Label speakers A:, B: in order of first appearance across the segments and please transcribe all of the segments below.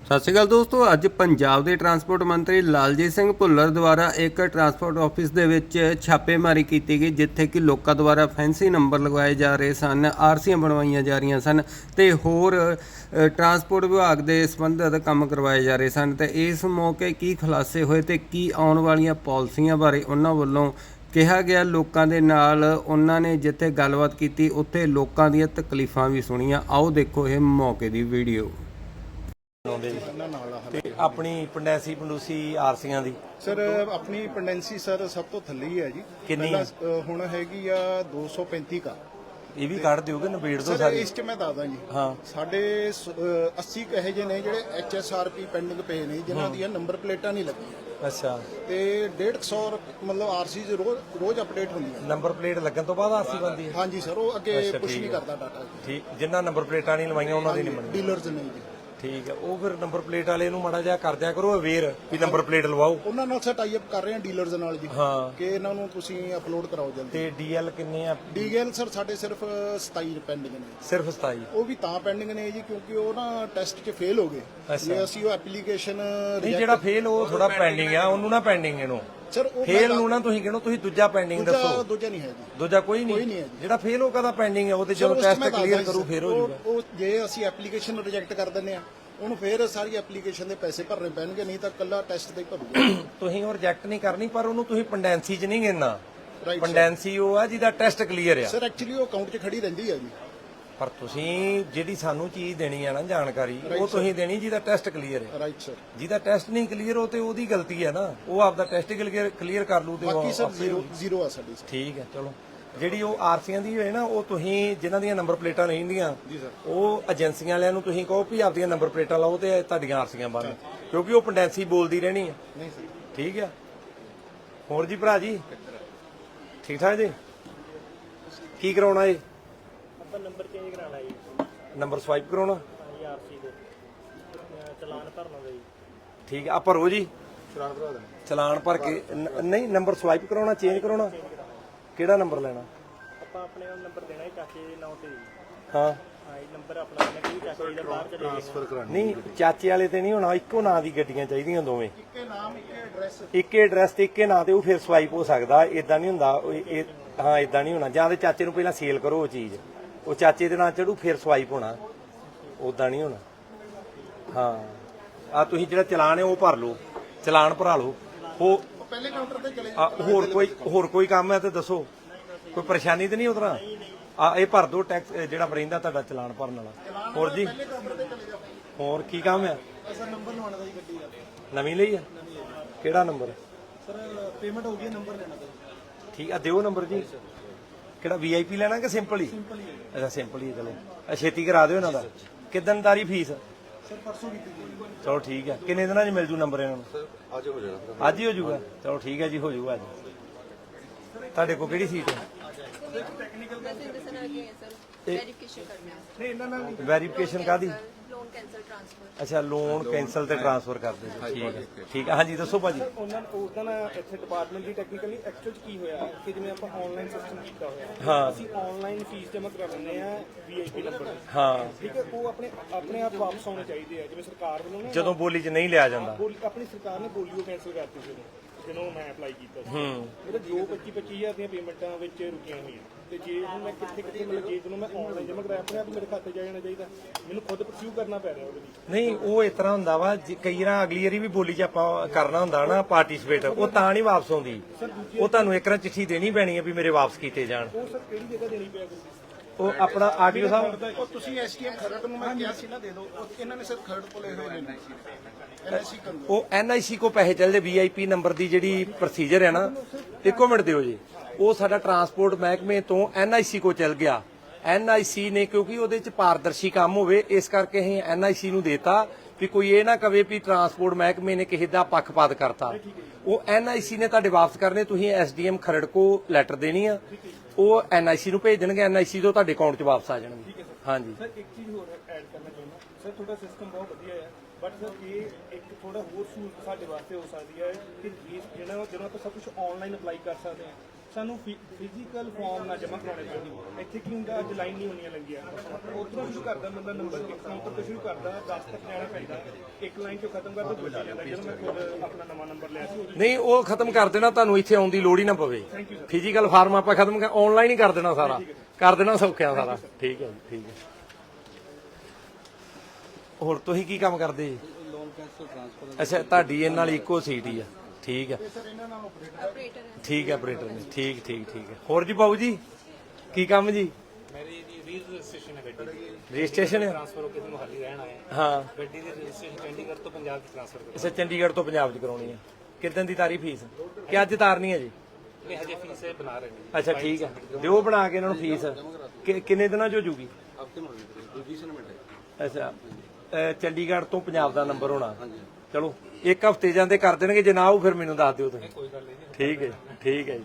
A: ਸਤਿ ਸ਼੍ਰੀ ਅਕਾਲ ਦੋਸਤੋ, ਅੱਜ ਪੰਜਾਬ ਦੇ ਟਰਾਂਸਪੋਰਟ ਮੰਤਰੀ ਲਾਲਜੀਤ ਸਿੰਘ ਭੁੱਲਰ ਦੁਆਰਾ ਇੱਕ ਟਰਾਂਸਪੋਰਟ ਆਫਿਸ ਦੇ ਵਿੱਚ ਛਾਪੇਮਾਰੀ ਕੀਤੀ ਗਈ, ਜਿੱਥੇ ਕਿ ਲੋਕਾਂ ਦੁਆਰਾ ਫੈਂਸੀ ਨੰਬਰ ਲਗਵਾਏ ਜਾ ਰਹੇ ਸਨ, ਆਰਸੀਆਂ ਬਣਵਾਈਆਂ ਜਾ ਰਹੀਆਂ ਸਨ ਤੇ ਹੋਰ ਟਰਾਂਸਪੋਰਟ ਵਿਭਾਗ ਦੇ ਸੰਬੰਧਿਤ ਕੰਮ ਕਰਵਾਏ ਜਾ ਰਹੇ ਸਨ। ਤੇ ਇਸ ਮੌਕੇ ਕੀ ਖੁਲਾਸੇ ਹੋਏ ਤੇ ਕੀ ਆਉਣ ਵਾਲੀਆਂ ਪਾਲਿਸੀਆਂ ਬਾਰੇ ਉਹਨਾਂ ਵੱਲੋਂ ਕਿਹਾ ਗਿਆ। ਲੋਕਾਂ ਦੇ ਨਾਲ ਉਹਨਾਂ ਨੇ ਜਿੱਥੇ ਗੱਲਬਾਤ ਕੀਤੀ ਉੱਥੇ ਲੋਕਾਂ ਦੀਆਂ ਤਕਲੀਫਾਂ ਵੀ ਸੁਣੀਆਂ। ਆਓ ਦੇਖੋ ਇਹ ਮੌਕੇ ਦੀ ਵੀਡੀਓ।
B: ਤੇ ਆਪਣੀ ਪੰਡੈਂਸੀ ਪੰਡੂਸੀ ਆਰਸੀਆਂ ਦੀ
C: ਸਰ ਆਪਣੀ ਪੰਡੈਂਸੀ ਸਰ ਸਭ ਤੋਂ ਥੱਲੇ ਹੀ ਹੈ ਜੀ।
B: ਕਿੰਨੀ
C: ਹੁਣ ਹੈਗੀ ਆ 235 ਕਾ।
B: ਇਹ ਵੀ ਕੱਢ ਦਿਓਗੇ ਨਵੇੜ ਦੋ
C: ਸਰ
B: ਸਾਰੀ।
C: ਇਸ ਚ ਮੈਂ ਦੱਸਦਾ ਜੀ,
B: ਹਾਂ
C: ਸਾਡੇ 80 ਕਹੇ ਜੇ ਨੇ ਜਿਹੜੇ HSRP ਪੈਂਡਿੰਗ ਪਏ ਨੇ, ਜਿਨ੍ਹਾਂ ਦੀਆਂ ਨੰਬਰ ਪਲੇਟਾਂ ਨਹੀਂ ਲੱਗੀਆਂ।
B: ਅੱਛਾ,
C: ਤੇ 150 ਮਤਲਬ ਆਰਸੀ ਰੋਜ਼ ਅਪਡੇਟ ਹੁੰਦੀਆਂ।
B: ਨੰਬਰ ਪਲੇਟ ਲੱਗਣ ਤੋਂ ਬਾਅਦ ਆਰਸੀ ਬਣਦੀ ਹੈ?
C: ਹਾਂਜੀ ਸਰ, ਉਹ ਅੱਗੇ
B: ਅੱਛਾ,
C: ਪੁਸ਼
B: ਠੀਕ
C: ਨਹੀਂ
B: ਹੈ।
C: ਕਰਦਾ ਡਾਟਾ।
B: ਠੀਕ, ਜਿਨ੍ਹਾਂ ਨੰਬਰ ਪਲੇਟਾਂ ਨਹੀਂ ਲਵਾਈਆਂ ਉਹਨਾਂ ਦੀ ਨਹੀਂ ਬਣਦੀ।
C: ਡੀਲਰਸ ਨਹੀਂ ਜੀ।
B: ਠੀਕ ਹੈ, ਉਹ ਫਿਰ ਨੰਬਰ ਪਲੇਟ ਵਾਲੇ ਨੂੰ ਮਾੜਾ ਜਿਹਾ ਕਰ ਦਿਆ ਕਰੋ ਅਵੇਅਰ ਵੀ ਨੰਬਰ ਪਲੇਟ ਲਵਾਓ।
C: ਉਹਨਾਂ ਨਾਲ ਸਰ ਟਾਈ ਅਪ ਕਰ ਰਹੇ ਹਾਂ ਡੀਲਰਸ ਨਾਲ ਜੀ,
B: ਹਾਂ,
C: ਕਿ ਇਹਨਾਂ ਨੂੰ ਤੁਸੀਂ ਅਪਲੋਡ ਕਰਾਓ ਜਲਦੀ।
B: ਤੇ ਡੀਐਲ ਕਿੰਨੇ ਆ?
C: ਡੀਐਲ ਸਰ ਸਾਡੇ ਸਿਰਫ 27 ਪੈਂਡਿੰਗ ਨੇ।
B: ਸਿਰਫ 27?
C: ਉਹ ਵੀ ਤਾਂ ਪੈਂਡਿੰਗ ਨੇ ਜੀ ਕਿਉਂਕਿ ਉਹ ਨਾ ਟੈਸਟ 'ਚ ਫੇਲ ਹੋ ਗਏ। ਜੇ ਅਸੀਂ ਉਹ ਐਪਲੀਕੇਸ਼ਨ
B: ਨਹੀਂ, ਜਿਹੜਾ ਫੇਲ ਉਹ ਥੋੜਾ ਪੈਂਡਿੰਗ ਆ, ਉਹਨੂੰ ਨਾ ਪੈਂਡਿੰਗ ਇਹਨੂੰ।
C: ਸਰ ਉਹ
B: ਫੇਲ ਨੂੰ ਨਾ ਤੁਸੀਂ ਕਿਹਨੋ, ਤੁਸੀਂ ਦੂਜਾ ਪੈਂਡਿੰਗ ਦੱਸੋ।
C: ਦੂਜਾ ਨਹੀਂ ਹੈ ਜੀ।
B: ਦੂਜਾ ਕੋਈ ਨਹੀਂ
C: ਹੈ ਜੀ।
B: ਜਿਹੜਾ ਫੇਲ ਉਹ ਕਦਾ ਪੈਂਡਿੰਗ ਹੈ? ਉਹਦੇ ਜਦੋਂ ਟੈਸਟ ਕਲੀਅਰ ਕਰੂ ਫੇਰ ਹੋ ਜਾਊਗਾ।
C: ਉਹ ਜੇ ਅਸੀਂ ਐਪਲੀਕੇਸ਼ਨ ਰਿਜੈਕਟ ਕਰ ਦਿੰਦੇ ਆ, ਉਹਨੂੰ ਫੇਰ ਸਾਰੀ ਐਪਲੀਕੇਸ਼ਨ ਦੇ ਪੈਸੇ ਭਰਨੇ ਪੈਣਗੇ, ਨਹੀਂ ਤਾਂ ਕੱਲਾ ਟੈਸਟ ਤੇ ਹੀ ਭਰੂਗਾ।
B: ਤੁਸੀਂ ਉਹ ਰਿਜੈਕਟ ਨਹੀਂ ਕਰਨੀ, ਪਰ ਉਹਨੂੰ ਤੁਸੀਂ ਪੰਡੈਂਸੀ 'ਚ ਨਹੀਂ ਗਿਣਨਾ।
C: Right,
B: ਪੰਡੈਂਸੀ ਉਹ ਆ ਜਿਹਦਾ ਟੈਸਟ ਕਲੀਅਰ ਆ।
C: ਸਰ ਐਕਚੁਅਲੀ ਉਹ ਅਕਾਊਂਟ 'ਚ ਖੜੀ ਰਹਿੰਦੀ ਹੈ ਜੀ।
B: ਪਰ ਤੁਸੀਂ ਜਿਹੜੀ ਸਾਨੂੰ ਚੀਜ਼ ਦੇਣੀ ਆ ਨਾ, ਜਾਣਕਾਰੀ, ਉਹ ਤੁਸੀਂ ਦੇਣੀ ਜਿਹਦਾ ਟੈਸਟ ਕਲੀਅਰ ਹੈ।
C: Right sir.
B: ਜਿਹਦਾ ਟੈਸਟ ਨਹੀਂ ਕਲੀਅਰ ਉਹ ਤੇ ਉਹਦੀ ਗਲਤੀ ਹੈ ਨਾ, ਉਹ ਆਪਦਾ ਟੈਸਟ ਕਲੀਅਰ ਕਰ ਲੂ ਤੇ
C: ਬਾਕੀ ਸਰ ਜ਼ੀਰੋ ਆ ਸਾਡੀ।
B: ਠੀਕ ਹੈ, ਚਲੋ। ਜਿਹੜੀ ਉਹ ਆਰਸੀਆਂ ਦੀ ਹੋਏ ਨਾ, ਉਹ ਤੁਸੀਂ ਜਿਨ੍ਹਾਂ ਦੀਆਂ ਨੰਬਰ ਪਲੇਟਾਂ ਨਹੀਂ ਹੁੰਦੀਆਂ, ਉਹ ਏਜੰਸੀਆਂ ਵਾਲਿਆਂ ਨੂੰ ਤੁਸੀਂ ਕਹੋ ਵੀ ਆਪਦੀਆਂ ਨੰਬਰ ਪਲੇਟਾਂ ਲਾਓ ਤੇ ਤੁਹਾਡੀਆਂ ਆਰਸੀਆਂ ਬੰਦ, ਕਿਉਂਕਿ ਉਹ ਪੰਡੈਂਸੀ ਬੋਲਦੀ ਰਹਿਣੀ ਹੈ।
C: ਨਹੀਂ ਸਰ।
B: ਠੀਕ ਹੈ। ਹੋਰ ਜੀ ਭਰਾ ਜੀ, ਠੀਕ ਠਾਕ ਜੀ? ਕੀ ਕਰਾਉਣਾ ਏ?
D: ਆਪਾਂ ਨੰਬਰ ਚੇਂਜ ਕਰਾਣਾ ਜੀ।
B: ਨੰਬਰ ਸਵਾਈਪ ਕਰਾਉਣਾ?
D: ਹਾਂਜੀ, ਆਰਸੀ ਦੇ ਚਲਾਨ ਭਰਨਾ ਦਾ ਜੀ।
B: ਠੀਕ ਹੈ, ਆ ਭਰੋ ਜੀ
C: ਚਲਾਨ ਭਰਾ ਦੇਣਾ।
B: ਚਲਾਨ ਭਰ ਕੇ। ਨਹੀਂ, ਨੰਬਰ ਸਵਾਈਪ ਕਰਾਉਣਾ, ਚੇਂਜ ਕਰਾਉਣਾ? ਕਿਹੜਾ ਨੰਬਰ ਲੈਣਾ?
D: ਆਪਾਂ ਆਪਣੇ ਨੰਬਰ ਦੇਣਾ ਹੈ ਚਾਚੇ ਦੇ ਨਾਂ ਤੇ ਜੀ।
B: ਹਾਂ
D: ਹਾਂ, ਇਹ ਨੰਬਰ ਆਪਣਾ ਦੇਣਾ ਕਿ ਚਾਚੇ ਜੀ ਦਾ ਬਾਹਰ ਚਲੇ
C: ਟ੍ਰਾਂਸਫਰ ਕਰਾਣੀ।
B: ਨਹੀਂ, ਚਾਚੇ ਵਾਲੇ ਤੇ ਨਹੀਂ ਹੋਣਾ, ਇੱਕੋ ਨਾਂ ਦੀ ਗੱਡੀਆਂ ਚਾਹੀਦੀਆਂ ਦੋਵੇਂ।
C: ਇੱਕੇ ਨਾਮ, ਇੱਕੇ ਐਡਰੈਸ।
B: ਇੱਕੇ ਐਡਰੈਸ ਤੇ ਇੱਕੇ ਨਾਂ ਤੇ, ਉਹ ਫਿਰ ਸਵਾਈਪ ਹੋ ਸਕਦਾ। ਇਦਾਂ ਨਹੀਂ ਹੁੰਦਾ ਹਾਂ, ਇਦਾਂ ਨਹੀਂ ਹੋਣਾ। ਜਾਂ ਤੇ ਚਾਚੇ ਨੂੰ ਪਹਿਲਾਂ ਸੇਲ ਕਰੋ ਉਹ ਚੀਜ਼, ਉਹ ਚਾਚੇ ਦੇ ਨਾਂ ਚੜੂ, ਫਿਰ ਸਵਾਈਪ ਹੋਣਾ। ਉਦਾਂ ਨਹੀਂ ਹੋਣਾ। ਹਾਂ, ਆ ਤੁਸੀਂ ਜਿਹੜਾ ਚਲਾਨ ਹੈ ਉਹ ਭਰ ਲਓ, ਚਲਾਨ ਭਰਾ ਲਓ। ਉਹ
C: ਪਹਿਲੇ ਕਾਊਂਟਰ ਤੇ ਚਲੇ
B: ਹੋਰ ਕੋਈ ਕੰਮ ਹੈ ਤੇ ਦੱਸੋ, ਕੋਈ ਪਰੇਸ਼ਾਨੀ ਤੇ ਨਹੀਂ ਉਤਰਾ? ਆ ਇਹ ਭਰ ਦੋ ਟੈਕਸ ਜਿਹੜਾ ਰਹਿੰਦਾ ਤੁਹਾਡਾ ਚਲਾਨ ਭਰਨ ਵਾਲਾ। ਹੋਰ ਜੀ, ਹੋਰ ਕੀ ਕੰਮ ਹੈ?
C: ਸਰ ਨੰਬਰ ਲਵਾਉਣਾ ਦਾ ਜੀ ਗੱਡੀ ਦਾ।
B: ਨਵੀਂ ਲਈ ਆ? ਕਿਹੜਾ ਨੰਬਰ?
C: ਸਰ ਪੇਮੈਂਟ ਹੋ ਗਈ, ਨੰਬਰ ਲੈਣਾ ਦਾ।
B: ਠੀਕ ਆ, ਦਿਓ ਨੰਬਰ ਜੀ। ਕਿਹੜਾ VIP ਲੈਣਾ ਕਿ ਸਿੰਪਲ ਹੀ? ਅੱਛਾ, ਸਿੰਪਲ ਹੀ, ਚਲੋ। ਛੇਤੀ ਕਰਾ ਦਿਓ ਇਹਨਾਂ ਦਾ। ਕਿਦਨ ਤਾਰੀ ਫੀਸ?
C: ਸਰ ਪਰਸੋਂ ਕੀਤੀ ਜੀ।
B: ਚਲੋ ਠੀਕ ਹੈ। ਕਿੰਨੇ ਦਿਨਾਂ 'ਚ ਮਿਲ ਜੂ ਨੰਬਰ ਇਹਨਾਂ ਨੂੰ?
C: ਅੱਜ ਹੋ ਜਾਣਾ।
B: ਅੱਜ ਹੀ ਹੋ ਜਾਊਗਾ? ਚਲੋ ਠੀਕ ਹੈ ਜੀ, ਹੋ ਜਾਊਗਾ ਅੱਜ। ਤੁਹਾਡੇ ਕੋਲ ਕਿਹੜੀ ਸੀਟ ਹੈ? ਵੈਰੀਫਿਕੇਸ਼ਨ ਕਾਦੀ? ਅੱਛਾ, ਲੋਨ ਕੈਂਸਲ ਤੇ ਟ੍ਰਾਂਸਫਰ ਕਰ ਦੇ। ਠੀਕ ਹੈ, ਠੀਕ ਹੈ। ਹਾਂਜੀ ਦੱਸੋ ਭਾਜੀ।
D: ਉਹਨਾਂ ਦਾ ਇੱਥੇ ਡਿਪਾਰਟਮੈਂਟ ਦੀ ਟੈਕਨੀਕਲੀ ਐਕਚੁਅਲ ਕੀ ਹੋਇਆ ਕਿ ਜਿਵੇਂ ਆਪਾਂ ਆਨਲਾਈਨ ਸਿਸਟਮ ਕੀਤਾ ਹੋਇਆ,
B: ਹਾਂ,
D: ਅਸੀਂ ਆਨਲਾਈਨ ਫੀਸ ਜਮ੍ਹਾਂ ਕਰਾ ਲੈਂਦੇ ਆ VIP ਨੰਬਰ ਤੇ।
B: ਹਾਂ,
D: ਠੀਕ ਹੈ, ਉਹ ਆਪਣੇ ਆਪ ਵਾਪਸ ਆਉਣੇ ਚਾਹੀਦੇ ਆ। ਜਿਵੇਂ ਸਰਕਾਰ ਵੱਲੋਂ ਨਾ
B: ਜਦੋਂ ਬੋਲੀ 'ਚ ਨਹੀਂ ਲਿਆ ਜਾਂਦਾ।
D: ਆਪਣੀ ਸਰਕਾਰ ਨੇ ਬੋਲੀਓ ਕੈਂਸਲ ਕਰਤੀ ਸੀ ਜਦੋਂ ਮੈਂ ਅਪਲਾਈ ਕੀਤਾ ਸੀ। ਮੇਰੇ 25,000 ਦੀਆਂ ਪੇਮੈਂਟਾਂ ਵਿੱਚ ਰੁਕੀਆਂ ਹੋਈਆਂ। ਤੇ ਜੇ ਹੁਣ ਮੈਂ ਕਿੱਥੇ ਮਤਲਬ ਜੇ ਜਦੋਂ ਮੈਂ ਆਨਲਾਈਨ ਜਮ੍ਹਾਂ ਕਰਾਇਆ, ਆਪਣੇ ਆਪ ਮੇਰੇ ਖਾਤੇ 'ਚ ਆ ਜਾਣਾ ਚਾਹੀਦਾ। ਮੈਨੂੰ ਖੁਦ ਪਰਸਿਊ ਕਰਨਾ ਪੈ ਰਿਹਾ ਉਹਦੇ ਲਈ।
B: ਨਹੀਂ, ਉਹ ਇਸ ਤਰ੍ਹਾਂ ਹੁੰਦਾ ਵਾ, ਕਈ ਵਾਰ ਅਗਲੀ ਵਾਰੀ ਵੀ ਬੋਲੀ 'ਚ ਆਪਾਂ ਕਰਨਾ ਹੁੰਦਾ ਨਾ ਪਾਰਟੀਸਪੇਟ, ਉਹ ਤਾਂ ਨਹੀਂ ਵਾਪਸ ਆਉਂਦੀ। ਉਹ ਤੁਹਾਨੂੰ ਇੱਕ ਵਾਰ ਚਿੱਠੀ ਦੇਣੀ ਪੈਣੀ ਹੈ ਵੀ ਮੇਰੇ ਵਾਪਸ ਕੀਤੇ ਜਾਣ।
D: ਉਹ ਸਰ ਕਿਹੜੀ ਜਗ੍ਹਾ ਦੇਣੀ ਪਿਆ ਕਰੂਗੀ?
B: ਉਹ ਆਪਣਾ ਆਰਟੀਓ ਸਾਹਿਬ,
C: ਉਹ ਤੁਸੀਂ STM ਖਰੜ ਨੂੰ ਮੈਂ ਕਿਹਾ ਸੀ ਨਾ ਦੇ ਦਿਓ, ਇਹਨਾਂ ਨੇ ਸਰ ਖਰੜ ਤੋਂ ਲਏ ਹੋਏ ਨੇ। NIC ਕਰ ਦਿਓ।
B: ਉਹ NIC ਕੋ ਪੈਸੇ ਚੱਲਦੇ। VIP ਨੰਬਰ ਦੀ ਜਿਹੜੀ ਪ੍ਰੋਸੀਜਰ ਹੈ ਨਾ, ਇੱਕੋ ਮਿੰਟ ਦਿਓ ਜੀ। ਉਹ ਸਾਡਾ ਟਰਾਂਸਪੋਰਟ ਮਹਿਕਮੇ ਤੋਂ NIC ਕੋ ਚੱਲ ਗਿਆ। NIC ਨੇ, ਕਿਉਂਕਿ ਉਹਦੇ ਚ ਪਾਰਦਰਸ਼ੀ ਕੰਮ ਹੋਵੇ, ਇਸ ਕਰਕੇ ਅਸੀਂ NIC ਨੂੰ ਦੇਤਾ ਵੀ ਕੋਈ ਇਹ ਨਾ ਕਵੇ ਵੀ ਟਰਾਂਸਪੋਰਟ ਮਹਿਕਮੇ ਨੇ ਕਿਸੇ ਦਾ ਪੱਖਪਾਤ ਕਰਤਾ। ਉਹ NIC ਨੇ ਤੁਹਾਡੇ ਵਾਪਸ ਕਰਨੇ। ਤੁਸੀਂ SDM ਖਰੜ ਕੋ ਲੈਟਰ ਦੇਣੀ ਆ, ਉਹ NIC ਨੂੰ ਭੇਜ ਦੇਣਗੇ। NIC ਤੋਂ ਤੁਹਾਡੇ ਅਕਾਊਂਟ 'ਚ ਵਾਪਸ ਆ ਜਾਣਗੇ। ਹਾਂਜੀ
D: ਸਰ, ਇੱਕ ਚੀਜ਼ ਹੋਰ ਐਡ ਕਰਨਾ ਚਾਹੁੰਦਾ ਸਰ, ਤੁਹਾਡਾ ਸਿਸਟਮ ਬਹੁਤ ਵਧੀਆ ਹੈ, ਬਟ ਸਰ ਇਹ ਇੱਕ ਥੋੜਾ ਹੋਰ ਸਹੂਲਤ ਸਾਡੇ ਵਾਸਤੇ ਹੋ ਸਕਦੀ ਹੈ ਕਿ ਜਦੋਂ ਆਪਾਂ ਸਭ ਕੁਝ ਆਨਲਾਈਨ ਅਪਲਾਈ ਕਰ ਸਕਦੇ ਹਾਂ, ਸਾਨੂੰ ਫਿਜ਼ੀਕਲ ਫਾਰਮ ਨਾ ਜਮ੍ਹਾਂ ਕਰਾਉਣੇ ਪੈਂਦੇ। ਇੱਥੇ ਕੀ ਹੁੰਦਾ, ਅੱਜ ਲਾਈਨ ਨਹੀਂ ਹੁੰਦੀਆਂ ਲੱਗੀਆਂ, ਉੱਧਰੋਂ ਸ਼ੁਰੂ ਕਰਦਾ ਬੰਦਾ, ਨੰਬਰ ਕਾਊਂਟਰ ਤੋਂ ਸ਼ੁਰੂ ਕਰਦਾ, 10 ਤੱਕ ਜਾਣਾ ਪੈਂਦਾ। ਇੱਕ ਲਾਈਨ ਚੋਂ ਖਤਮ ਕਰ ਦੋ ਦੂਜੀ ਜਾਂਦਾ ਜਦੋਂ ਮੈਂ ਖੁਦ ਆਪਣਾ ਨਵਾਂ ਨੰਬਰ ਲਿਆ ਸੀ
B: ਨਹੀਂ ਉਹ ਖਤਮ ਕਰ ਦੇਣਾ, ਤੁਹਾਨੂੰ ਇੱਥੇ ਆਉਣ ਦੀ ਲੋੜ ਹੀ ਨਾ ਪਵੇ। ਫਿਜ਼ੀਕਲ ਫਾਰਮ ਆਪਾਂ ਖਤਮ ਆਨਲਾਈਨ ਹੀ ਕਰ ਦੇਣਾ, ਸਾਰਾ ਕਰ ਦੇਣਾ, ਸੌਖਿਆ ਸਾਰਾ। ਠੀਕ ਹੈ ਜੀ, ਠੀਕ ਹੈ। ਹੋਰ ਤੁਸੀਂ ਕੀ ਕੰਮ ਕਰਦੇ ਜੀ? ਅੱਛਾ, ਤੁਹਾਡੀ ਇਹਨਾਂ ਨਾਲ ਇੱਕੋ ਸੀਟ ਹੀ ਆ। ਠੀਕ ਹੈ, ਠੀਕ ਹੈ, ਆਪਰੇਟਰ ਨੇ। ਠੀਕ ਠੀਕ ਠੀਕ ਹੈ। ਹੋਰ ਜੀ ਬਾਬੂ ਜੀ ਕੀ ਕੰਮ ਜੀ?
E: ਮੇਰੀ ਜੀ ਰਜਿਸਟ੍ਰੇਸ਼ਨ ਹੈ ਗੱਡੀ ਦੀ।
B: ਰਜਿਸਟ੍ਰੇਸ਼ਨ ਹੈ?
E: ਟ੍ਰਾਂਸਫਰ ਹੋ ਕੇ ਮੁਹਾਲੀ ਰਹਿਣ ਆਇਆ।
B: ਹਾਂ,
E: ਗੱਡੀ ਦੀ ਰਜਿਸਟ੍ਰੇਸ਼ਨ ਚੰਡੀਗੜ੍ਹ ਤੋਂ ਪੰਜਾਬ 'ਚ ਟ੍ਰਾਂਸਫਰ ਕਰਨੀ।
B: ਅੱਛਾ, ਚੰਡੀਗੜ੍ਹ ਤੋਂ ਪੰਜਾਬ 'ਚ ਕਰਾਉਣੀ ਹੈ। ਕਿੰਨੇ ਦੀ ਤਾਰੀ ਫੀਸ ਕਿ ਅੱਜ ਤਾਰਨੀ ਹੈ ਜੀ?
E: ਨਹੀਂ ਹਜੇ ਫੀਸ ਇਹ ਬਣਾ ਰਹੇ ਨੇ।
B: ਅੱਛਾ, ਠੀਕ ਹੈ, ਦਿਓ ਬਣਾ ਕੇ ਇਹਨਾਂ ਨੂੰ ਫੀਸ। ਕਿੰਨੇ ਦਿਨਾਂ 'ਚ ਹੋ ਜੂਗੀ? ਅੱਛਾ, ਚੰਡੀਗੜ੍ਹ ਤੋਂ ਪੰਜਾਬ ਦਾ ਨੰਬਰ ਹੋਣਾ। ਚਲੋ ਇੱਕ ਹਫ਼ਤੇ ਜਾਂਦੇ ਕਰ ਦੇਣਗੇ, ਜੇ ਨਾ ਆਊ ਫਿਰ ਮੈਨੂੰ ਦੱਸ ਦਿਓ ਤੁਸੀਂ।
E: ਕੋਈ ਗੱਲ ਨਹੀਂ।
B: ਠੀਕ ਹੈ, ਠੀਕ ਹੈ ਜੀ,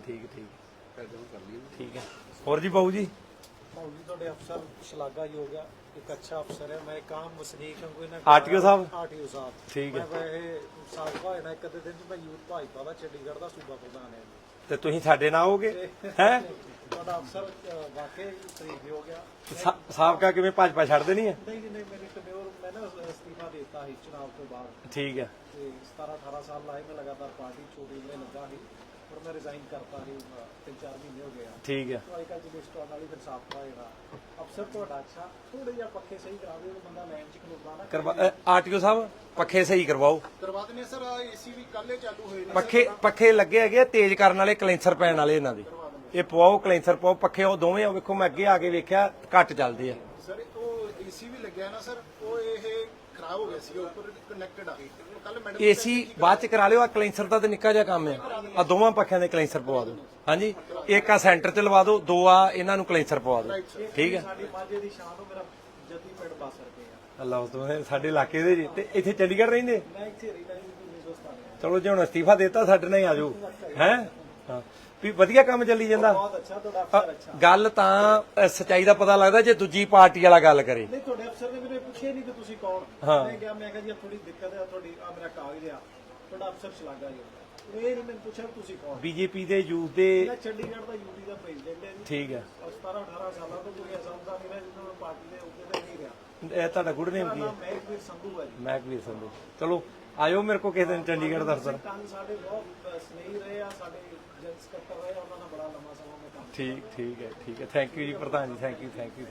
B: ਠੀਕ ਹੈ। ਹੋਰ ਜੀ ਬਾਬੂ ਜੀ?
F: भाऊ जी ਤੁਹਾਡੇ ਅਫਸਰ ਸ਼ਲਾਘਾਯੋਗ ਆ, ਇੱਕ ਅੱਛਾ ਅਫਸਰ ਹੈ। ਮੈਂ ਕਾਮ ਵਸਨੀਕ ਹਾਂ ਕੋਈ ਨਾ
B: ਆਰਟੀਓ ਸਾਹਿਬ?
F: ਆਰਟੀਓ ਸਾਹਿਬ
B: ਠੀਕ ਹੈ।
F: ਮੈਂ ਇਹ ਸਾਬਕਾ ਹੋਣਾ ਇੱਕ ਅੱਧੇ ਦਿਨ ਚ ਮੈਂ ਯੂਥ ਭਾਜਪਾ ਦਾ ਚੰਡੀਗੜ੍ਹ ਦਾ ਸੂਬਾ ਪ੍ਰਧਾਨ ਹੈ।
B: ਤੇ ਤੁਸੀਂ ਸਾਡੇ ਨਾਲ ਆਓਗੇ ਹੈ?
F: ਤੁਹਾਡਾ ਅਫਸਰ ਵਾਕਈ ਸਹੀ ਹੋ ਗਿਆ।
B: ਸਾਬਕਾ ਕਿਵੇਂ ਭਾਜਪਾ ਛੱਡਦੇ ਨਹੀਂ ਹੈ?
F: ਨਹੀਂ ਮੇਰੇ ਟਨਿਓਰ ਮੈਂ ਨਾ ਅਸਤੀਫਾ ਦੇ ਦਿੱਤਾ ਸੀ ਚੁਣਾਵ ਤੋਂ ਬਾਅਦ,
B: ਠੀਕ ਹੈ,
F: ਤੇ 17-18 ਸਾਲ ਲਾਏ ਮੈਂ ਲਗਾਤਾਰ ਪਾਰਟੀ ਛੋਟੀ ਜਿਹੀ ਲੱਗਾ ਸੀ, ਪਰ ਮੈਂ ਰਿਜ਼ਾਈਨ ਕਰਤਾ ਸੀ 3-4 ਮਹੀਨੇ ਹੋ ਗਏ ਆ।
B: ਠੀਕ ਹੈ।
F: ਅੱਜ ਕੱਲ੍ਹ ਜੀ ਲਿਸਟ ਆਉਣ ਵਾਲੀ, ਫਿਰ ਸਾਬਕਾ ਜਿਹੜਾ ਅਫਸਰ ਤੁਹਾਡਾ ਅੱਛਾ ਥੋੜੇ ਜਿਹਾ ਪੱਖੇ ਸਹੀ ਕਰਾ ਦਿਓ, ਬੰਦਾ ਲਾਈਨ 'ਚ ਖਲੋਤਾ ਨਾ।
B: ਆਰਟੀਓ ਸਾਹਿਬ ਪੱਖੇ ਸਹੀ ਕਰਵਾਓ।
C: ਕਰਵਾ ਦਿੰਦੇ ਸਰ। ਏਸੀ ਵੀ ਕੱਲੇ ਚਾਲੂ ਹੋਏ ਨੇ।
B: ਪੱਖੇ ਲੱਗੇ ਹੈਗੇ ਆ, ਤੇਜ਼ ਕਰਨ ਵਾਲੇ, ਕਲੈਂਸਰ ਪੈਣ ਵਾਲੇ ਇਹਨਾਂ ਦੇ। ਇਹ ਪਵਾਓ, ਕਲੈਂਸਰ ਪਵਾਓ। ਪੱਖੇ ਉਹ ਦੋਵੇਂ ਵੇਖੋ, ਮੈਂ ਅੱਗੇ ਆ ਕੇ ਵੇਖਿਆ ਘੱਟ ਚੱਲਦੇ ਆ।
C: ਸਰ ਉਹ ਏਸੀ ਵੀ ਲੱਗਿਆ ਨਾ ਸਰ, ਉਹ ਇਹ ਖਰਾਬ ਹੋ ਗਿਆ ਸੀ, ਉੱਪਰ ਕਨੈਕਟਡ ਆ। ਕੱਲ ਮੈਡਮ
B: ਏਸੀ ਬਾਅਦ ਚ ਕਰਾ ਲਿਓ, ਆ ਕਲੈਂਸਰ ਦਾ ਤੇ ਨਿੱਕਾ ਜਿਹਾ ਕੰਮ ਆ। ਆ ਦੋਵਾਂ ਪੱਖਿਆਂ ਦੇ ਕਲੈਂਸਰ ਪਵਾ ਦਿਓ। ਹਾਂਜੀ, ਇੱਕ ਆ ਸੈਂਟਰ ਚ ਲਵਾ ਦਿਓ, ਦੋ ਆ ਇਹਨਾਂ ਨੂੰ ਕਲੈਂਸਰ ਪਵਾ ਦਿਓ। ਠੀਕ ਹੈ।
F: ਸਾਡੀ ਮਾਝੇ ਦੀ ਸ਼ਾਨ ਹੋ, ਮੇਰਾ ਜੱਦੀ ਪਿੰਡ ਬਸ ਰਕੇ ਆ।
B: ਅੱਲਾਹ ਤੋਂ ਸਾਡੇ ਇਲਾਕੇ ਦੇ ਜੀ। ਤੇ ਇੱਥੇ ਚੰਡੀਗੜ੍ਹ ਰਹਿੰਦੇ?
F: ਮੈਂ ਇੱਥੇ ਰਹਿਣਾ ਜੀ 1997।
B: ਚਲੋ ਜੇ ਹੁਣ ਅਸਤੀਫਾ ਦੇਤਾ ਸਾਡੇ ਨਾਲ ਹੀ ਆਜੋ ਹੈ। ਹਾਂ, ਵੀ ਵਧੀਆ ਕੰਮ ਚੱਲੀ ਜਾਂਦਾ।
F: ਬਹੁਤ ਅੱਛਾ ਤੁਹਾਡਾ ਅਫਸਰ ਅੱਛਾ।
B: ਗੱਲ ਤਾਂ ਸਚਾਈ ਦਾ ਪਤਾ ਲੱਗਦਾ ਜੇ ਦੂਜੀ ਪਾਰਟੀ ਵਾਲਾ ਗੱਲ ਕਰੇ।
F: ਨਹੀਂ ਤੁਹਾਡੇ ਅਫਸਰ ਨੇ ਮੈਨੂੰ ਪੁੱਛਿਆ ਨਹੀਂ ਕਿ ਤੁਸੀਂ ਕੌਣ।
B: ਹਾਂ।
F: ਮੈਂ ਕਿਹਾ ਜੀ ਥੋੜੀ ਦਿੱਕਤ ਹੈ, ਤੁਹਾਡੀ ਆ ਮੇਰਾ ਕਾਗਜ਼ ਆ, ਤੁਹਾਡਾ ਅਫਸਰ ਸ਼ਲਾਘਾ ਜੀ। ਇਹ ਨਹੀਂ ਮੈਨੂੰ ਪੁੱਛਿਆ ਤੁਸੀਂ ਕੌਣ।
B: ਬੀਜੇਪੀ ਦੇ ਯੂਥ ਦੇ।
F: ਮੈਂ ਚੰਡੀਗੜ੍ਹ ਦਾ ਯੂਟੀ ਦਾ ਪ੍ਰੈਜ਼ੀਡੈਂਟ ਹੈ ਜੀ।
B: ਠੀਕ ਹੈ।
F: 17-18 ਸਾਲਾਂ ਤੋਂ ਕੋਈ ਅਸਮਦਾ ਨਹੀਂ ਰਿਹਾ, ਜਿਹਨਾਂ ਨੂੰ ਪਾਰਟੀ ਦੇ ਉੱਤੇ ਤੇ ਨਹੀਂ ਰਿਹਾ।
B: ਇਹ ਤੁਹਾਡਾ ਗੁੱਡ ਨੇਮ ਕੀ ਹੈ?
F: ਮਹਿਕਵੀਰ ਸੰਧੂ ਹੈ ਜੀ।
B: ਮਹਿਕਵੀਰ ਸੰਧੂ। ਚਲੋ ਆਇਓ ਮੇਰੇ ਕੋ ਕਿਸੇ ਦਿਨ ਚੰਡੀਗੜ੍ਹ ਦਫ਼ਤਰ।
F: ਕੰਨ ਸਾਡੇ ਬਹੁਤ ਸਨੇਹੀ ਰਹੇ ਆ, ਸਾਡੇ ਜਨਰਲ ਸਕੱਤਰ ਰਹੇ, ਉਹਨਾਂ ਨਾਲ ਬੜਾ ਲੰਮਾ ਸਮਾਂ ਮੈਂ ਕੰਮ
B: ਠੀਕ ਹੈ। ਥੈਂਕ ਯੂ ਜੀ ਪ੍ਰਧਾਨ ਜੀ, ਥੈਂਕ ਯੂ।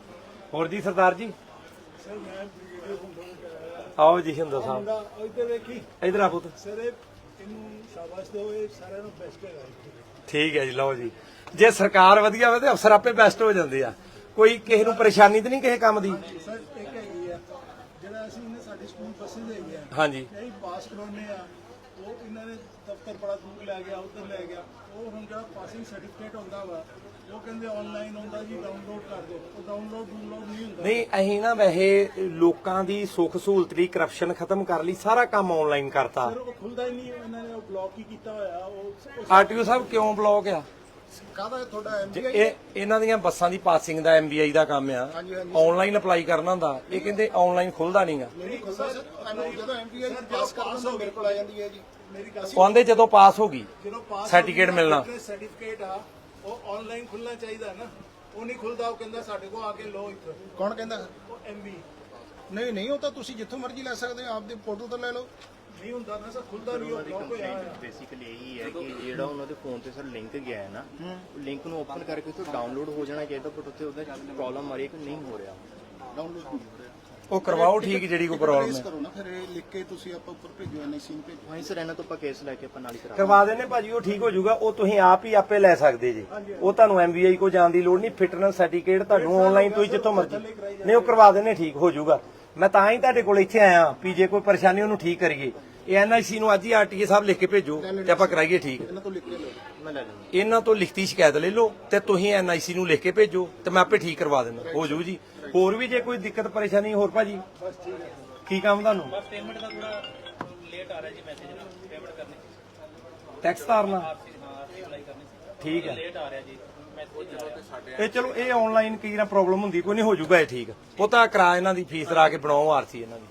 B: ਹੋਰ ਜੀ ਸਰਦਾਰ ਜੀ?
F: ਸਰ ਮੈਂ ਵੀਡੀਓ ਹੁੰਦਾ
B: ਆਓ ਜੀ ਹਿੰਦੂ ਸਾਹਿਬ,
F: ਇੱਧਰ ਵੇਖੀ
B: ਇਧਰ ਆ ਪੁੱਤ।
F: ਸਰ ਇਹਨੂੰ ਸ਼ਾਬਾਸ਼ ਦਿਓ, ਇਹ ਸਾਰਿਆਂ ਨੂੰ ਬੈਸਟ ਹੈ।
B: ਠੀਕ ਹੈ ਜੀ, ਲਓ ਜੀ। ਜੇ ਸਰਕਾਰ ਵਧੀਆ ਹੋਵੇ ਤੇ ਅਫਸਰ ਆਪੇ ਬੈਸਟ ਹੋ ਜਾਂਦੇ ਆ। ਕੋਈ ਕਿਸੇ ਨੂੰ ਪਰੇਸ਼ਾਨੀ ਤਾਂ ਨਹੀਂ ਕਿਸੇ ਕੰਮ ਦੀ?
F: ਸਰ ਇੱਕ ਹੈਗੀ ਆ ਜਿਹੜਾ ਅਸੀਂ ਇਹਨੇ ਸਾਡੀ ਸਕੂਲ ਬੱਸਿਸ ਹੈਗੀ ਆ,
B: ਹਾਂਜੀ,
F: ਇਹ ਪਾਸ ਕਰਾਉਣੇ ਆ, ਉਹ ਇਹਨਾਂ ਨੇ ਦਫ਼ਤਰ ਬੜਾ ਦੂਰ ਲੈ ਗਿਆ, ਉੱਧਰ ਲੈ ਗਿਆ। ਉਹ ਹੁਣ ਜਿਹੜਾ ਪਾਸਿੰਗ ਸਰਟੀਫਿਕੇਟ ਹੁੰਦਾ ਵਾ, ਉਹ ਕਹਿੰਦੇ ਆਨਲਾਈਨ ਹੁੰਦਾ ਜੀ, ਡਾਊਨਲੋਡ ਕਰ ਦਿਓ। ਉਹ ਡਾਊਨਲੋਡ ਨਹੀਂ ਹੁੰਦਾ।
B: ਨਹੀਂ ਅਸੀਂ ਨਾ ਵੈਸੇ ਲੋਕਾਂ ਦੀ ਸੁੱਖ ਸਹੂਲਤ ਦੀ ਕਰਪਸ਼ਨ ਖਤਮ ਕਰ ਲਈ, ਸਾਰਾ ਕੰਮ ਆਨਲਾਈਨ ਕਰਤਾ।
F: ਸਰ ਉਹ ਖੁੱਲਦਾ ਹੀ ਨਹੀਂ, ਇਹਨਾਂ ਨੇ ਉਹ ਬਲੌਕ ਹੀ ਕੀਤਾ ਹੋਇਆ। ਉਹ
B: ਆਰਟੀਓ ਸਾਹਿਬ ਕਿਉਂ ਬਲੌਕ ਆ?
C: ਕਾਹਦਾ ਤੁਹਾਡਾ
B: ਜੇ
C: MBI?
B: ਇਹ ਇਹਨਾਂ ਦੀਆਂ ਬੱਸਾਂ ਦੀ ਪਾਸਿੰਗ ਦਾ MBI ਦਾ ਕੰਮ ਆ, ਆਨਲਾਈਨ ਅਪਲਾਈ ਕਰਨਾ ਹੁੰਦਾ। ਇਹ ਕਹਿੰਦੇ ਆਨਲਾਈਨ ਖੁੱਲਦਾ ਨਹੀਂਗਾ।
C: ਨਹੀਂ ਖੁੱਲਦਾ ਸਰ। ਤੁਹਾਨੂੰ ਜਦੋਂ MBI ਪਾਸ ਕਰਨ ਦਾ ਮੇਰੇ ਕੋਲ ਆ ਜਾਂਦੀ ਹੈ ਜੀ।
F: ਮੇਰੀ ਗੱਲ
B: ਉਹ ਆਂਦੇ ਜਦੋਂ ਪਾਸ ਹੋ ਗਈ
F: ਜਦੋਂ ਪਾਸ
B: ਸਰਟੀਫਿਕੇਟ ਮਿਲਣਾ।
F: ਸਰਟੀਫਿਕੇਟ ਆ, ਉਹ ਆਨਲਾਈਨ ਖੁੱਲਣਾ ਚਾਹੀਦਾ ਨਾ। ਉਹ ਨਹੀਂ ਖੁੱਲਦਾ, ਉਹ ਕਹਿੰਦਾ ਸਾਡੇ ਕੋਲ ਆ ਕੇ ਲਓ ਇੱਥੇ।
C: ਕੌਣ ਕਹਿੰਦਾ?
F: ਉਹ MB
C: ਨਹੀਂ, ਉਹ ਤਾਂ ਤੁਸੀਂ ਜਿੱਥੋਂ ਮਰਜ਼ੀ ਲੈ ਸਕਦੇ ਹੋ, ਆਪਦੇ ਪੋਰਟਲ ਤੋਂ ਲੈ ਲਓ।
F: ਨਹੀਂ ਹੁੰਦਾ ਨਾ ਸਰ, ਖੁੱਲਦਾ ਨਹੀਂ, ਉਹ ਬਲੌਕ ਹੋਇਆ ਹੋਇਆ।
G: ਬੇਸਿਕਲੀ ਇਹੀ ਹੈ ਕਿ ਜਿਹੜਾ ਉਹਨਾਂ ਦੇ ਫੋਨ ਤੇ ਸਰ ਲਿੰਕ ਗਿਆ ਹੈ ਨਾ, ਲਿੰਕ ਨੂੰ ਓਪਨ ਕਰਕੇ ਉੱਥੇ ਡਾਊਨਲੋਡ ਹੋ ਜਾਣਾ ਚਾਹੀਦਾ, ਬਟ ਉੱਥੇ ਉਹਦਾ ਪ੍ਰੋਬਲਮ ਆ ਰਹੀ ਹੈ ਕਿ ਨਹੀਂ ਹੋ ਰਿਹਾ।
C: ਡਾਊਨਲੋਡ ਨਹੀਂ ਹੋ ਰਿਹਾ।
B: ਉਹ ਕਰਵਾਓ ਠੀਕ, ਜਿਹੜੀ ਕੋਈ ਪ੍ਰੋਬਲਮ ਹੈ
C: ਕਰੋ ਨਾ, ਫਿਰ ਇਹ ਲਿਖ ਕੇ ਤੁਸੀਂ ਆਪਾਂ ਉੱਪਰ ਭੇਜੋ, NIC ਨੂੰ ਭੇਜੋ।
G: ਹਾਂ ਸਰ, ਇਹਨਾਂ ਤੋਂ ਆਪਾਂ ਕੇਸ ਲੈ ਕੇ ਆਪਾਂ ਨਾਲ ਹੀ ਕਰਾ
B: ਕਰਵਾ ਦੇਣੇ ਭਾਜੀ, ਉਹ ਠੀਕ ਹੋ ਜਾਊਗਾ। ਉਹ ਤੁਸੀਂ ਆਪ ਹੀ ਆਪੇ ਲੈ ਸਕਦੇ ਜੀ। ਉਹ ਤੁਹਾਨੂੰ MBI ਕੋ ਜਾਣ ਦੀ ਲੋੜ ਨਹੀਂ। ਫਿਟਨੈਸ ਸਰਟੀਫਿਕੇਟ ਤੁਹਾਨੂੰ ਆਨਲਾਈਨ ਤੁਸੀਂ ਜਿੱਥੋਂ ਮਰਜ਼ੀ ਨਹੀਂ, ਉਹ ਕਰਵਾ ਦੇਣੇ, ਠੀਕ ਹੋ ਜਾਊਗਾ। ਮੈਂ ਤਾਂ ਹੀ ਤੁਹਾਡੇ ਕੋਲ ਇੱਥੇ ਆਇਆ ਵੀ ਜੇ ਕੋਈ ਪਰੇਸ਼ਾਨੀ ਉਹਨੂੰ ਠੀਕ ਕਰੀਏ। ਇਹ NIC ਨੂੰ ਅੱਜ ਹੀ RTA ਸਾਹਿਬ ਲਿਖ ਕੇ ਭੇਜੋ ਤੇ ਆਪਾਂ ਕਰਾਈਏ ਠੀਕ।
C: ਇਹਨਾਂ ਤੋਂ ਲਿਖ ਕੇ ਲਓ।
G: ਮੈਂ ਲੈ ਲੈਂਦਾ।
B: ਇਹਨਾਂ ਤੋਂ ਲਿਖਤੀ ਸ਼ਿਕਾਇਤ ਲੈ ਲਓ ਤੇ ਤੁਸੀਂ NIC ਨੂੰ ਲਿਖ ਕੇ ਭੇਜੋ ਤੇ ਮੈਂ ਆਪੇ ਠੀਕ ਕਰਵਾ ਦੇਣਾ, ਹੋ ਜਾਊ ਜੀ। ਹੋਰ ਵੀ ਜੇ ਕੋਈ ਦਿੱਕਤ ਪਰੇਸ਼ਾਨੀ ਹੋਰ ਭਾਜੀ?
F: ਬਸ ਠੀਕ ਹੈ।
B: ਕੀ ਕੰਮ ਤੁਹਾਨੂੰ?
E: ਬਸ ਪੇਮੈਂਟ ਦਾ ਥੋੜਾ ਲੇਟ ਆ ਰਿਹਾ ਜੀ, ਮੈਸੇਜ ਪੇਮੈਂਟ ਕਰਨੀ
B: ਟੈਕਸ ਤਾਰਨਾ?
E: ਆਰਸੀ ਅਪਲਾਈ ਕਰਨੀ ਸੀ,
B: ਠੀਕ ਹੈ।
E: ਲੇਟ ਆ ਰਿਹਾ ਜੀ ਮੈਸੇਜ।
B: ਇਹ ਚਲੋ ਇਹ ਆਨਲਾਈਨ ਕੀ ਨਾ ਪ੍ਰੋਬਲਮ ਹੁੰਦੀ, ਕੋਈ ਨਹੀਂ, ਹੋ ਜਾਊਗਾ ਇਹ ਠੀਕ। ਉਹ ਤਾਂ ਕਰਾ ਇਹਨਾਂ ਦੀ ਫੀਸ ਲਾ ਕੇ ਬਣਾਓ ਆਰਸੀ ਇਹਨਾਂ ਦੀ।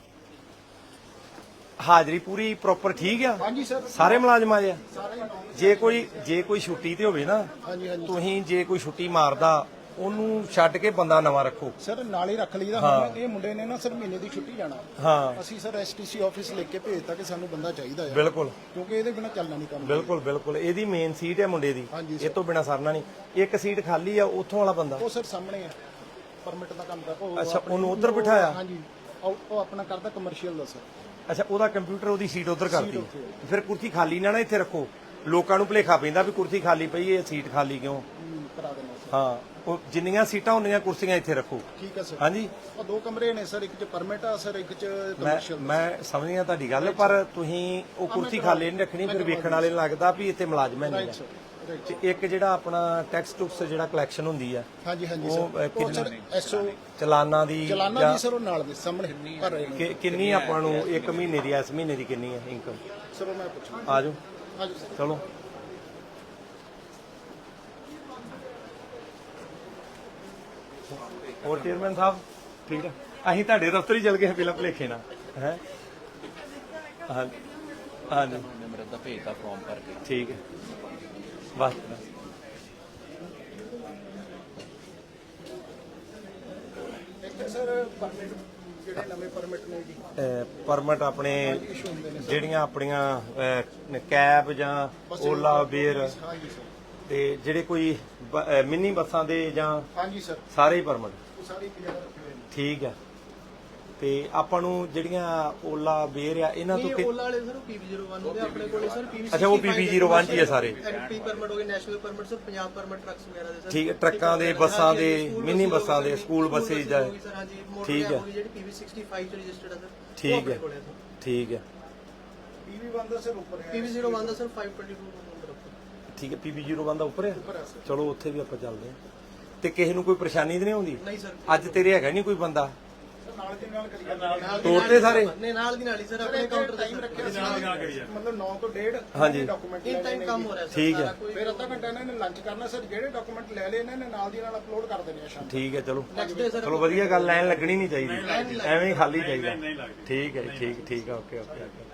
B: ਹਾਜ਼ਰੀ ਪੂਰੀ ਪ੍ਰੋਪਰ ਠੀਕ ਆ?
C: ਹਾਂਜੀ ਸਰ।
B: ਸਾਰੇ ਮੁਲਾਜ਼ਮ ਆ ਜੇ ਕੋਈ ਛੁੱਟੀ ਤੇ ਹੋਵੇ ਨਾ,
C: ਹਾਂਜੀ।
B: ਤੁਸੀਂ ਜੇ ਕੋਈ ਛੁੱਟੀ ਮਾਰਦਾ ਉਹਨੂੰ ਛੱਡ ਕੇ ਬੰਦਾ ਨਵਾਂ ਰੱਖੋ।
C: ਸਰ ਨਾਲ ਹੀ ਰੱਖ ਲਈਦਾ। ਹੁਣ ਇਹ ਮੁੰਡੇ ਨੇ ਨਾ ਸਰ ਮਹੀਨੇ ਦੀ ਛੁੱਟੀ ਜਾਣਾ।
B: ਹਾਂ
C: ਅਸੀਂ ਸਰ ਐਸਟੀਸੀ ਆਫਿਸ ਲਿਖ ਕੇ ਭੇਜਤਾ ਕਿ ਸਾਨੂੰ ਬੰਦਾ ਚਾਹੀਦਾ ਹੈ,
B: ਬਿਲਕੁਲ
C: ਕਿਉਂਕਿ ਇਹਦੇ ਬਿਨਾਂ ਚੱਲਣਾ ਨਹੀਂ ਕੰਮ।
B: ਬਿਲਕੁਲ ਬਿਲਕੁਲ ਇਹਦੀ ਮੇਨ ਸੀਟ ਹੈ ਮੁੰਡੇ ਦੀ,
C: ਹਾਂਜੀ
B: ਇਹ ਤੋਂ ਬਿਨਾ ਸਰਨਾ ਨਹੀਂ। ਇੱਕ ਸੀਟ ਖਾਲੀ ਆ, ਉੱਥੋਂ ਵਾਲਾ ਬੰਦਾ
C: ਉਹ ਸਰ ਸਾਹਮਣੇ ਹੈ, ਪਰਮਿਟ ਦਾ ਕੰਮ ਕਰਦਾ ਉਹ।
B: ਅੱਛਾ, ਉਹਨੂੰ ਉੱਧਰ ਬਿਠਾਇਆ?
C: ਹਾਂਜੀ, ਉਹ ਆਪਣਾ ਕਰਦਾ ਕਮਰਸ਼ੀਅਲ ਦਾ ਸਰ।
B: ਅੱਛਾ, ਉਹਦਾ ਕੰਪਿਊਟਰ ਉਹਦੀ ਸੀਟ ਉਧਰ ਕਰਤੀ। ਫਿਰ ਕੁਰਸੀ ਖਾਲੀ ਨਾ ਇੱਥੇ ਰੱਖੋ, ਲੋਕਾਂ ਨੂੰ ਭੁਲੇਖਾ ਪੈਂਦਾ ਵੀ ਕੁਰਸੀ ਖਾਲੀ ਪਈ ਹੈ, ਸੀਟ ਖਾਲੀ ਕਿਉਂ।
C: ਕਰਾ ਦੇਣਾ ਸਰ।
B: ਹਾਂ, ਉਹ ਜਿੰਨੀਆਂ ਸੀਟਾਂ ਹੁੰਦੀਆਂ ਕੁਰਸੀਆਂ ਇੱਥੇ ਰੱਖੋ।
C: ਠੀਕ ਹੈ ਸਰ।
B: ਹਾਂਜੀ,
C: ਉਹ 2 ਕਮਰੇ ਨੇ ਸਰ, ਇੱਕ ਚ ਪਰਮਿਟ ਆ ਸਰ, ਇੱਕ ਚ ਕਮਰਸ਼ੀਅਲ।
B: ਮੈਂ ਸਮਝ ਗਿਆ ਤੁਹਾਡੀ ਗੱਲ, ਪਰ ਤੁਸੀਂ ਉਹ ਕੁਰਸੀ ਖਾਲੀ ਨਹੀਂ ਰੱਖਣੀ, ਫਿਰ ਵੇਖਣ ਵਾਲੇ ਨੂੰ ਲੱਗਦਾ ਵੀ ਇੱਥੇ ਮੁਲਾਜ਼ਮ ਹੈ ਨਹੀਂ। ਤੇ ਇੱਕ ਜਿਹੜਾ ਆਪਣਾ ਟੈਕਸ ਟੁਕਸ ਜਿਹੜਾ ਕਲੈਕਸ਼ਨ ਹੁੰਦੀ ਆ,
C: ਹਾਂਜੀ ਹਾਂਜੀ
B: ਉਹ
C: ਸਰ, ਉਹ ਸਰ ਐਸਓ
B: ਚਲਾਨਾਂ ਦੀ
C: ਚਲਾਨਾ ਦੀ ਸਰ ਉਹ ਨਾਲ ਦੇ ਸਾਹਮਣੇ ਭਰ ਰਹੇ ਨੇ।
B: ਕਿੰਨੀ ਆਪਾਂ ਨੂੰ ਇੱਕ ਮਹੀਨੇ ਦੀ, ਇਸ ਮਹੀਨੇ ਦੀ ਕਿੰਨੀ ਹੈ ਇਨਕਮ?
C: ਸਰ ਉਹ ਮੈਂ ਪੁੱਛਾਂ।
B: ਆ ਜਾਓ,
C: ਹਾਂਜੀ ਸਰ।
B: ਚਲੋ। ਹੋਰ ਚੇਅਰਮੈਨ ਸਾਹਿਬ ਠੀਕ ਹੈ? ਅਸੀਂ ਤੁਹਾਡੇ ਦਫ਼ਤਰ ਹੀ ਚਲ ਗਏ ਪਹਿਲਾਂ ਭੁਲੇਖੇ ਨਾਲ ਹੈ। ਹਾਂਜੀ ਹਾਂਜੀ,
G: ਮੇਰਾ ਤਾਂ ਭੇਜਦਾ ਫਾਰਮ ਭਰ ਕੇ।
B: ਠੀਕ ਹੈ, ਬਸ
C: ਇੱਕ ਸਰ ਪਰਮਿਟ, ਜਿਹੜੇ ਨਵੇਂ ਪਰਮਿਟ ਨੇ ਜੀ,
B: ਪਰਮਿਟ ਆਪਣੇ
C: ਇਸ਼ੂ ਹੁੰਦੇ ਨੇ ਸਰ।
B: ਜਿਹੜੀਆਂ ਆਪਣੀਆਂ ਕੈਬ ਜਾਂ ਓਲਾ ਉਬੇਰ
C: ਹਾਂਜੀ ਸਰ।
B: ਤੇ ਜਿਹੜੇ ਕੋਈ ਮਿੰਨੀ ਬੱਸਾਂ ਦੇ ਜਾਂ
C: ਹਾਂਜੀ ਸਰ,
B: ਸਾਰੇ ਹੀ ਪਰਮਿਟ
C: ਉਹ ਸਾਰੀ ਇੱਕ ਜਗ੍ਹਾ ਰੱਖੇ ਹੋਏ ਨੇ।
B: ਠੀਕ ਹੈ। ਤੇ ਆਪਾਂ ਨੂੰ ਜਿਹੜੀਆਂ ਓਲਾ ਉਬੇਰ ਆ ਇਹਨਾਂ ਤੋਂ
H: ਓਲਾ ਵਾਲੇ ਸਰ PV01 ਹੁੰਦੇ ਆਪਣੇ ਕੋਲੇ ਸਰ PV65।
B: ਅੱਛਾ, ਉਹ PV01 ਚ ਹੀ ਆ ਸਾਰੇ।
H: ਐਮਪੀ ਪਰਮਿਟ ਹੋ ਗਏ, national permit sir, Punjab permit trucks ਵਗੈਰਾ ਦੇ ਸਰ।
B: ਠੀਕ ਹੈ, ਟਰੱਕਾਂ ਦੇ, ਬੱਸਾਂ ਦੇ, ਮਿੰਨੀ ਬੱਸਾਂ ਦੇ, ਸਕੂਲ ਬੱਸੇ ਜਾਂ
H: ਸਰ। ਹਾਂਜੀ,
B: ਠੀਕ ਹੈ।
H: ਜਿਹੜੀ PV65 ਚ ਰਜਿਸਟਰਡ ਹੈ ਸਰ।
B: ਠੀਕ ਹੈ, ਠੀਕ ਹੈ,
C: PV1 ਦਾ ਸਰ ਉੱਪਰ ਹੈ।
H: PV01 ਦਾ ਸਰ 522 ਨੰਬਰ ਉੱਪਰ।
B: ਠੀਕ ਹੈ। PV01 ਦਾ ਉੱਪਰ ਹੈ,
C: ਉੱਪਰ ਹੈ ਸਰ।
B: ਚਲੋ ਉੱਥੇ ਵੀ ਆਪਾਂ ਚੱਲਦੇ ਹਾਂ। ਤੇ ਕਿਸੇ ਨੂੰ ਕੋਈ ਪਰੇਸ਼ਾਨੀ ਤਾਂ ਨਹੀਂ ਆਉਂਦੀ?
H: ਨਹੀਂ ਸਰ।
B: ਅੱਜ ਤੇਰੇ ਹੈਗਾ ਨਹੀਂ ਕੋਈ ਬੰਦਾ?
C: ਨਾਲ ਦੀ ਨਾਲ ਕਰੀ ਜਾਂਦੇ
B: ਤੋੜਤੇ ਸਾਰੇ?
H: ਨਹੀਂ, ਨਾਲ ਦੀ ਨਾਲ ਹੀ ਸਰ, ਆਪਣੇ ਕਾਊਂਟਰ ਤੇ
C: ਟਾਈਮ ਰੱਖਿਆ ਸੀ ਮਤਲਬ 9 ਤੋਂ 1:30।
B: ਹਾਂਜੀ।
C: ਡਾਕੂਮੈਂਟ
H: ਇਨ ਟਾਈਮ ਕੰਮ ਹੋ ਰਿਹਾ ਸਰ।
B: ਠੀਕ ਹੈ।
C: ਫਿਰ ਅੱਧਾ ਘੰਟਾ ਇਹਨਾਂ ਨੇ ਲੰਚ ਕਰਨਾ ਸਰ। ਜਿਹੜੇ ਡਾਕੂਮੈਂਟ ਲੈ ਲਏ ਇਹਨਾਂ ਨੇ ਨਾਲ ਦੀ ਨਾਲ ਅਪਲੋਡ ਕਰ ਦੇਣੇ ਆ ਸ਼ਾਮ ਨੂੰ।
B: ਠੀਕ ਹੈ, ਚਲੋ
H: ਨੈਕਸਟ ਡੇ ਸਰ।
B: ਚਲੋ ਵਧੀਆ ਗੱਲ, ਲਾਈਨ ਲੱਗਣੀ ਨਹੀਂ ਚਾਹੀਦੀ, ਐਵੇਂ ਹੀ ਖਾਲੀ ਚਾਹੀਦਾ। ਠੀਕ ਹੈ, ਠੀਕ ਠੀਕ ਆ, ਓਕੇ ਓਕੇ ਓਕੇ।